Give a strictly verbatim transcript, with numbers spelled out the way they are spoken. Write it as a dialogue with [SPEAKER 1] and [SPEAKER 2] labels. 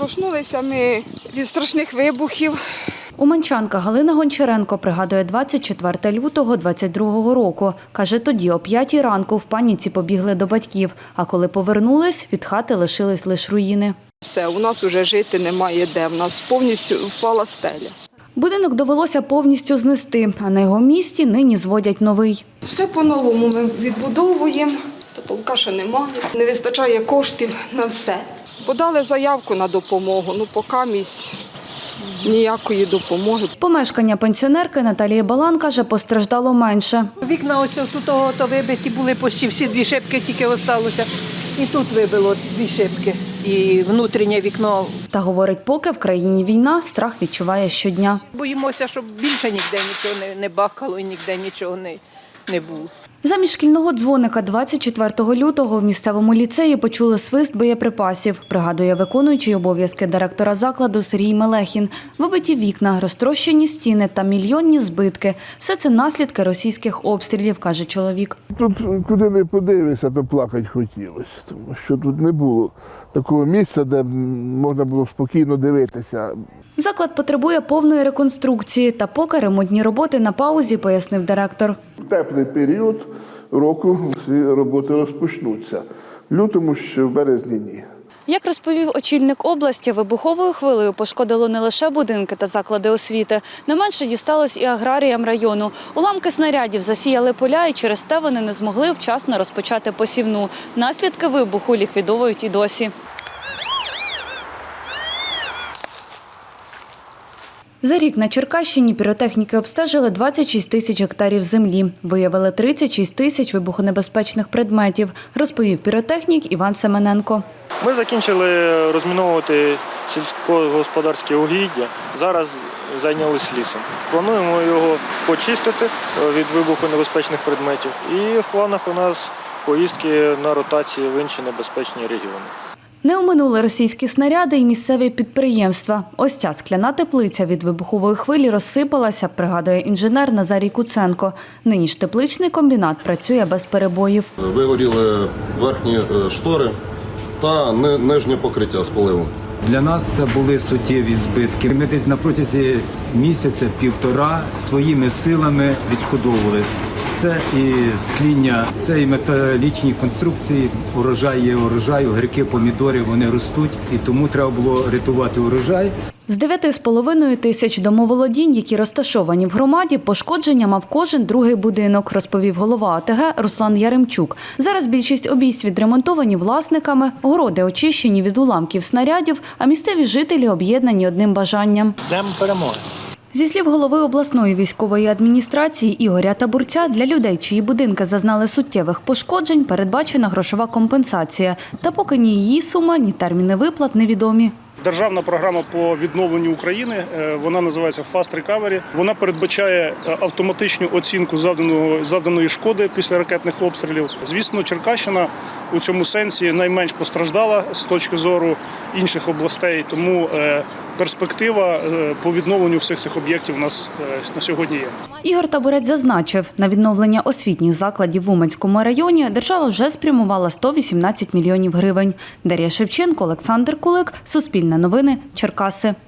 [SPEAKER 1] Проснулися ми від страшних вибухів.
[SPEAKER 2] Уманчанка Галина Гончаренко пригадує двадцять четвертого лютого двадцять другого року. Каже, тоді о п'ятій ранку в паніці побігли до батьків, а коли повернулись, від хати лишились лише руїни.
[SPEAKER 1] Все, у нас вже жити немає де, в нас повністю впала стеля.
[SPEAKER 2] Будинок довелося повністю знести, а на його місці нині зводять новий.
[SPEAKER 1] Все по-новому ми відбудовуємо, потолка ще немає, не вистачає коштів на все. Подали заявку на допомогу, ну поки місць ніякої допомоги.
[SPEAKER 2] Помешкання пенсіонерки Наталії Балан, каже, постраждало менше.
[SPEAKER 3] Вікна ось тут то вибиті були, почти всі дві шибки тільки залишилося. І тут вибило дві шибки, і внутрішнє вікно.
[SPEAKER 2] Та говорить, поки в країні війна, страх відчуває щодня.
[SPEAKER 3] Боїмося, щоб більше ніде нічого не, не бахало і ніде нічого не, не було.
[SPEAKER 2] Замість шкільного дзвоника двадцять четвертого лютого в місцевому ліцеї почули свист боєприпасів, пригадує виконуючий обов'язки директора закладу Сергій Мелехін. Вибиті вікна, розтрощені стіни та мільйонні збитки. Все це наслідки російських обстрілів, каже чоловік.
[SPEAKER 4] Тут куди не подивишся, то плакати хотілося, тому що тут не було такого місця, де можна було спокійно дивитися.
[SPEAKER 2] Заклад потребує повної реконструкції, та поки ремонтні роботи на паузі, пояснив директор.
[SPEAKER 4] В теплий період року всі роботи розпочнуться. В лютому ще в березні ні.
[SPEAKER 2] Як розповів очільник області, вибуховою хвилею пошкодило не лише будинки та заклади освіти. Не менше дісталось і аграріям району. Уламки снарядів засіяли поля, і через те вони не змогли вчасно розпочати посівну. Наслідки вибуху ліквідовують і досі. За рік на Черкащині піротехніки обстежили двадцять шість тисяч гектарів землі. Виявили тридцять шість тисяч вибухонебезпечних предметів, розповів піротехнік Іван Семененко.
[SPEAKER 5] Ми закінчили розміновувати сільськогосподарське угіддя. Зараз зайнялись лісом. Плануємо його почистити від вибухонебезпечних предметів. І в планах у нас поїздки на ротації в інші небезпечні регіони.
[SPEAKER 2] Не оминули російські снаряди і місцеві підприємства. Ось ця скляна теплиця від вибухової хвилі розсипалася, пригадує інженер Назарій Куценко. Нині ж тепличний комбінат працює без перебоїв.
[SPEAKER 6] Вигоріли верхні штори та нижнє покриття з поливу.
[SPEAKER 7] Для нас це були суттєві збитки. Ми десь на протязі місяця-півтора своїми силами відшкодовували. Це і скління, це і металічні конструкції, урожай є урожай, огірки, помідори, вони ростуть, і тому треба було рятувати урожай.
[SPEAKER 2] З дев'яти з половиною тисяч домоволодінь, які розташовані в громаді, пошкодження мав кожен другий будинок, розповів голова ОТГ Руслан Яремчук. Зараз більшість обійсть відремонтовані власниками, городи очищені від уламків снарядів, а місцеві жителі об'єднані одним бажанням.
[SPEAKER 5] Днем перемоги.
[SPEAKER 2] Зі слів голови обласної військової адміністрації Ігоря Табурця, для людей, чиї будинки зазнали суттєвих пошкоджень, передбачена грошова компенсація. Та поки ні її сума, ні терміни виплат невідомі.
[SPEAKER 8] Державна програма по відновленню України, вона називається Fast Recovery. Вона передбачає автоматичну оцінку завданого, завданої шкоди після ракетних обстрілів. Звісно, Черкащина у цьому сенсі найменш постраждала з точки зору інших областей, тому перспектива по відновленню всіх цих об'єктів у нас на сьогодні є.
[SPEAKER 2] Ігор Табурець зазначив, на відновлення освітніх закладів в Уманському районі держава вже спрямувала сто вісімнадцять мільйонів гривень. Дар'я Шевченко, Олександр Кулик, Суспільне новини, Черкаси.